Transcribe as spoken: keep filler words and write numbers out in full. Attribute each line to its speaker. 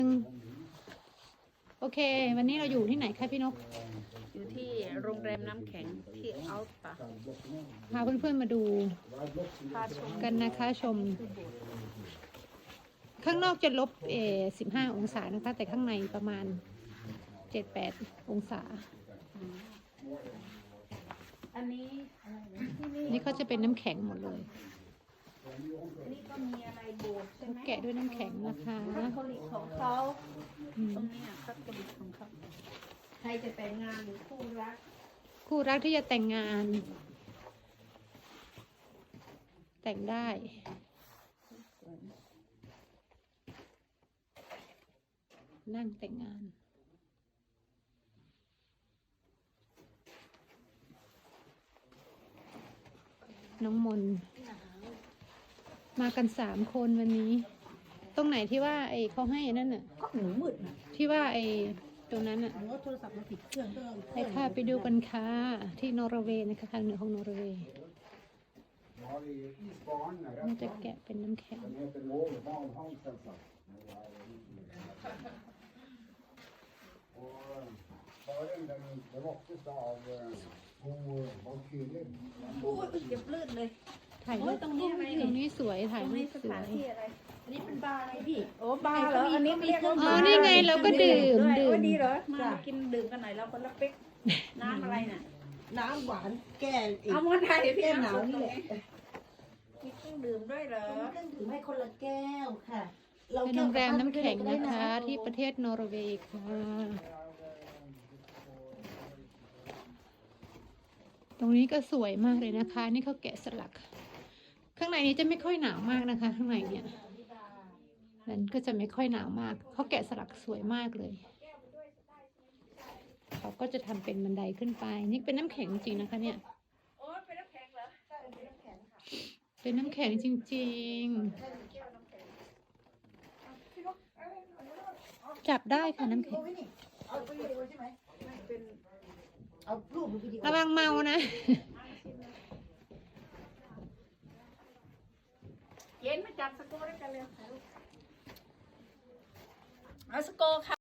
Speaker 1: โอเควันนี้เราอยู่ที่ไหนคะพี่นก
Speaker 2: อยู่ที่โรงแรมน้ำแข็งที่อัลตา
Speaker 1: พาเพื่อนๆมาดู
Speaker 2: พาชม
Speaker 1: กันนะคะชม ข้างนอกจะลบเอสิบห้าองศานะคะ แต่ข้างในประมาณเจ็ดแปดองศา
Speaker 2: อันนี้ที่นี่
Speaker 1: นี่เขาจะเป็นน้ำแข็งหมดเลย
Speaker 2: อันนี้ก็มีอะไรโบสถ์ใช่ไหม
Speaker 1: แกะด้วยน้ำแข็งนะคะ
Speaker 2: คาทอลิกของเขา
Speaker 1: อืม
Speaker 2: ตรงนี้คาทอลิกของเขาใครจะแต่งงานหรือคู่รัก
Speaker 1: คู่รักที่จะแต่งงาน แต่งได้ นั่งแต่งงาน น้องมนมากันสามคนวันนี้ ตรงไหนที่ว่าไอ้เขาให้นั่นน่ะ
Speaker 2: ก็หนูมืดนะ
Speaker 1: ที่ว่าไอ้ตรงนั้นน่ะ
Speaker 2: หนูโทรศัพท์มาผิดเครื่องก็
Speaker 1: ไปค่ะไปดูกันค่ะที่นอร์เวย์นะคะทางเหนือของนอร์เวย์มันจะแกะเป็นน้ำแข็ง
Speaker 2: โอ้ยเจ็บลื่นเลย
Speaker 1: ถ่ายรูป
Speaker 2: ตรงนี้อะไร
Speaker 1: ตรงนี้สวยถ่าย
Speaker 2: ตรง
Speaker 1: รู
Speaker 2: นี้
Speaker 1: ป
Speaker 2: ส
Speaker 1: สว
Speaker 2: ถาน
Speaker 1: ย
Speaker 2: ที่อะไรอันนี้เป็นบาร์อะไรพี่โอ้บาร์เหรออันนี้เรียกว่า
Speaker 1: อ๋อนี่ไงเราก็ดื่ม
Speaker 2: ด้วย
Speaker 1: ดื่
Speaker 2: โอ้
Speaker 1: ม
Speaker 2: ดีเหรอมากินดื่มกันหน่อยเราคนละเป๊กน้ำอะไรน่ะ
Speaker 3: น้ำหวานแก้อีก
Speaker 2: เอามาไทยพี่
Speaker 3: แก้หนาวนี่แหละ
Speaker 2: มีเครื่องดื่มด้วยเหรอ
Speaker 3: เครื่องดื่มให้คนละแก้วค่ะ
Speaker 1: เป็นโรงแรมน้ำแข็งนะคะ ที่ประเทศนอร์เวย์ค่ะ ตรงนี้ก็สวยมากเลยนะคะ นี่เขาแกะสลัก ข้างในนี้จะไม่ค่อยหนาวมากนะคะ ข้างในเนี่ยนั้นก็จะไม่ค่อยหนาวมากเขาแกะสลักสวยมากเลยเขาก็จะทำเป็นบันไดขึ้นไป นี่เป็นน้ำแข็งจริงๆนะคะ เนี่ย
Speaker 2: โอ้เป็นน้ำแข็งเหรอใช่เป็นน้ำแข็งค่ะ
Speaker 1: เป็นน้ำแข็งจริงๆ จับได้ค่ะน้ำแข็ง
Speaker 3: เอาไปวิดีโอใช่ไหม
Speaker 2: ไม่เป็น
Speaker 3: เอารูปหรือวิดีโอ
Speaker 1: ระวังเมานะ
Speaker 2: เย็นมาจับสโก้ด้วยกันเลยเอาสโก้ค่ะ